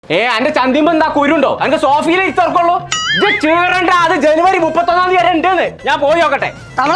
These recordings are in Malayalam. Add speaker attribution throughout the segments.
Speaker 1: അന്റെ ചന്തിമ്പോ എന്താ കുരുണ്ടോ? അന്റെ സോഫയിലെ ഇറക്കുള്ളൂ. ഇത് ചേറണ്ട, അത് ജനുവരി 31 വരെ ഉണ്ടെന്ന്. ഞാൻ പോയി നോക്കട്ടെ.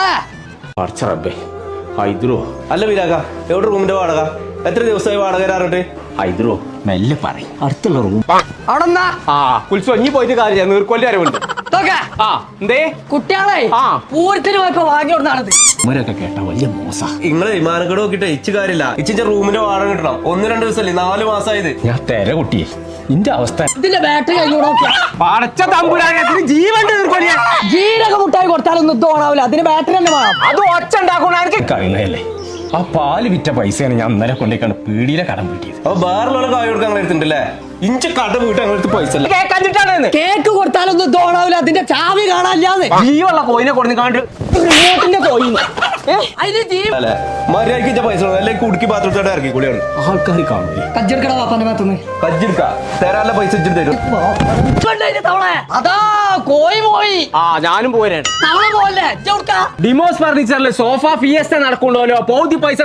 Speaker 1: ഹൈദ്രോ
Speaker 2: അല്ല വിരാക, എവിടെ റൂമിന്റെ വാടക? എത്ര ദിവസമായി വാടക തരാറുണ്ട്?
Speaker 1: ഹൈദ്രോ മെല്ലെ പറയും, അടുത്തുള്ള റൂം കുളിച്ചു ഇനി പോയിട്ട് കാര്യം. നീർക്കൊല്ലി വരവുണ്ട്. എന്തേ
Speaker 3: കുട്ടികളെ പൂരത്തിന് പോയപ്പോ വാങ്ങിയോടുന്നാണത്.
Speaker 1: ഇവരൊക്കെ കേട്ട വലിയ മോശ.
Speaker 2: നിങ്ങളെ വിമാനക്കട നോക്കിട്ട് ഇച്ച് കാര്യമില്ല. ഇച്ചിന്റെ റൂമിന്റെ വാടക കിട്ടണം. 1-2 ദിവസമല്ലേ, 4 മാസമായത്.
Speaker 1: ഞാൻ തെര കുട്ടിയെ, ഇന്റെ അവസ്ഥ.
Speaker 3: ഇതിന്റെ ബാറ്ററി കഴിഞ്ഞു
Speaker 1: പടച്ച തമ്പുരാനത്തിന് ജീവൻ
Speaker 3: ജീരക മുട്ടായി കൊടുത്താലൊന്നും ഇത് ഓണാവില്ല. അതിന് ബാറ്ററി തന്നെ വേണം.
Speaker 1: അത് ഒച്ച ഉണ്ടാക്കണ എനിക്ക് കഴിയുന്നതല്ലേ. ആ പാല് വിറ്റ പൈസയാണ് ഞാൻ അന്നേരം കൊണ്ടേക്കാണ് പീടിയിലെ കടം വീട്ടിയത്.
Speaker 2: അപ്പൊ വേറെ കായ് കൊടുക്കാൻ അങ്ങനെ എടുത്തിട്ടുണ്ടല്ലേ? ഇഞ്ച കട വീട്ട് അങ്ങനെ പൈസ
Speaker 3: കേക്ക് കൊടുത്താലൊന്നും ഇത് ഓണാവില്ല. അതിന്റെ ചാവി കാണാനില്ലാന്ന്.
Speaker 1: ജീവുള്ള കോയിനെ കൊടുക്കാണ്ട് കോയിന്
Speaker 2: അല്ലെ മര്യാദക്ക് പൈസ അല്ലെങ്കിൽ കുടുക്കി പാത്രത്തോടെ ഇറക്കി കൂടിയാണ്
Speaker 1: ആൾക്കാർ കാണൂലേ.
Speaker 3: കജ്ജെടുക്കട വാപ്പാന്റെ ഭാഗത്തുനിന്ന്
Speaker 2: കജ്ജിടുക്ക തരാനുള്ള പൈസ ഇച്ചിട്ട് തരും.
Speaker 3: അതാ കോയി പോയി.
Speaker 1: ഞാനും പോരാണ്.
Speaker 3: തവള പോലെ
Speaker 1: ഡിമോസ് ഫർണിച്ചറിൽ സോഫ ഫിയസ്റ്റ നടക്കണ്ടല്ലോ. പൗതി പൈസ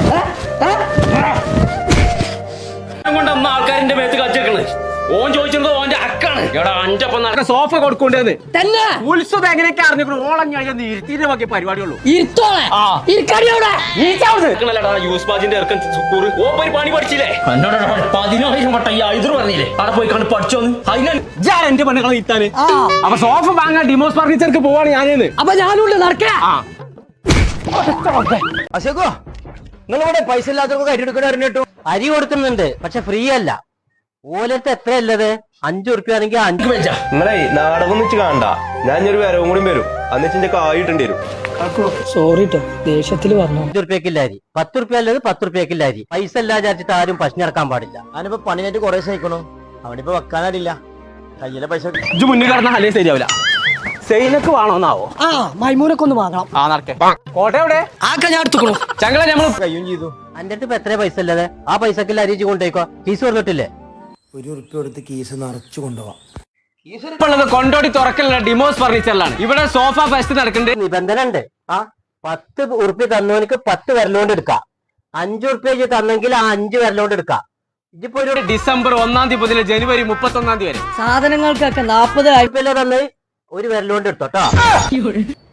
Speaker 1: കൊണ്ട് ആൾക്കാരിന്റെ മേത്ത് കച്ചേക്കണ്. ഓൻ ചോദിച്ചത് ഓന്റെ അക്കാണ്. ഇവിടെ അഞ്ചപ്പം നടക്കുന്ന സോഫ കൊടുക്കൊണ്ടെന്ന് തന്നെ. ഉത്സവം എങ്ങനെയൊക്കെ അറിഞ്ഞു ഓളഞ്ഞ ഇരുത്തിന്റെ ബാക്കി പരിപാടിയുള്ളൂ. പണി പഠിച്ചില്ലേ? 10,000 വട്ടം ഈ ഐദർ പറഞ്ഞില്ലേ അവിടെ പോയി കണ്ട് പഠിച്ചോന്ന്. ഞാൻ എന്റെ പെണ്ണുകളെ ഇത്താന്. അപ്പൊ സോഫ വാങ്ങാൻ ഡിമോസ് ഫർണിച്ചർക്ക് പോവാണ് ഞാനേന്ന്.
Speaker 3: അപ്പൊ ഞാനുണ്ട് നടക്കേ.
Speaker 4: അശോകോ, നിങ്ങളിവിടെ പൈസ ഇല്ലാത്തവർക്ക് അരി എടുക്കണ അറിഞ്ഞിട്ടു. അരി കൊടുക്കുന്നുണ്ട്, പക്ഷെ ഫ്രീ അല്ല. ഓലത്ത് എത്ര അല്ലത്? 5 ഉറുപ്പ്യ ആണെങ്കിൽ 5 വെച്ചാ.
Speaker 2: നിങ്ങളെ നാടകം വെച്ച് കാണണ്ട. ഞാൻ ഒരു വരവും കൂടി വരും. അന്നിച്ചിന്റെ കായിട്ടുണ്ട് വരും.
Speaker 3: സോറി ട്ടോ, ദേഷ്യത്തില് പറഞ്ഞു.
Speaker 4: 5 ഉറുപ്പ്യക്കില്ല അരി, 10 ഉറുപ്പ്യ അല്ലത് 10 ഉറുപ്പ്യക്കില്ല അരി. പൈസ ഇല്ലാ വിചാരിച്ചിട്ട് ആരും പശു ഇറക്കാൻ പാടില്ല. ഞാനിപ്പോ പണിയായിട്ട് കുറെ സഹിക്കണു. അവനിപ്പോ വെക്കാനറിയില്ല. കയ്യിലെ പൈസ
Speaker 1: മുന്നിൽ കിടന്ന അല്ലേ ശരിയാവില്ല. സെയിനൊക്കെ വേണോന്നാവോ?
Speaker 3: മൈമൂനൊക്കെ ഒന്ന് വാങ്ങണം.
Speaker 1: നടക്കേ. കോട്ടയുടെ
Speaker 3: ഞാൻ എടുത്തുക്കണു.
Speaker 1: ചങ്ങളെ നമ്മള്
Speaker 4: കയ്യും ചെയ്തു. എന്റെ അടുത്ത് ഇപ്പൊ എത്ര പൈസ ഇല്ലത്? ആ പൈസക്കില്ല അരി കൊണ്ടേക്കോ. ഫീസ് പറഞ്ഞിട്ടില്ലേ?
Speaker 5: 1 ഉറുപ്പ്യ കൊടുത്ത് കീസ് നിറച്ചു കൊണ്ടുപോവാം.
Speaker 1: കൊണ്ടോടി തുറക്കലുള്ള ഡിമോസ് ഫർണിച്ചറിലാണ്. ഇവിടെ സോഫ ഫെസ്റ്റ് നടക്കുന്നുണ്ട്.
Speaker 4: നിബന്ധന ഉണ്ട്. 10 ഉറുപ്പ്യ തന്നവനിക്ക് 10 വിരലുകൊണ്ട് എടുക്കാം. 5 ഉറുപ്പ്യ തന്നെങ്കിൽ ആ 5 വിരലുകൊണ്ട് എടുക്കാം. ഇതിപ്പോ ഒരു
Speaker 1: ഡിസംബർ 1 മുതൽ ജനുവരി 31 വരെ
Speaker 3: സാധനങ്ങൾക്കൊക്കെ 40
Speaker 4: ഉറുപ്പ്യ തന്നെ ഒരു വിരലുകൊണ്ട് എടുത്തോട്ടോ.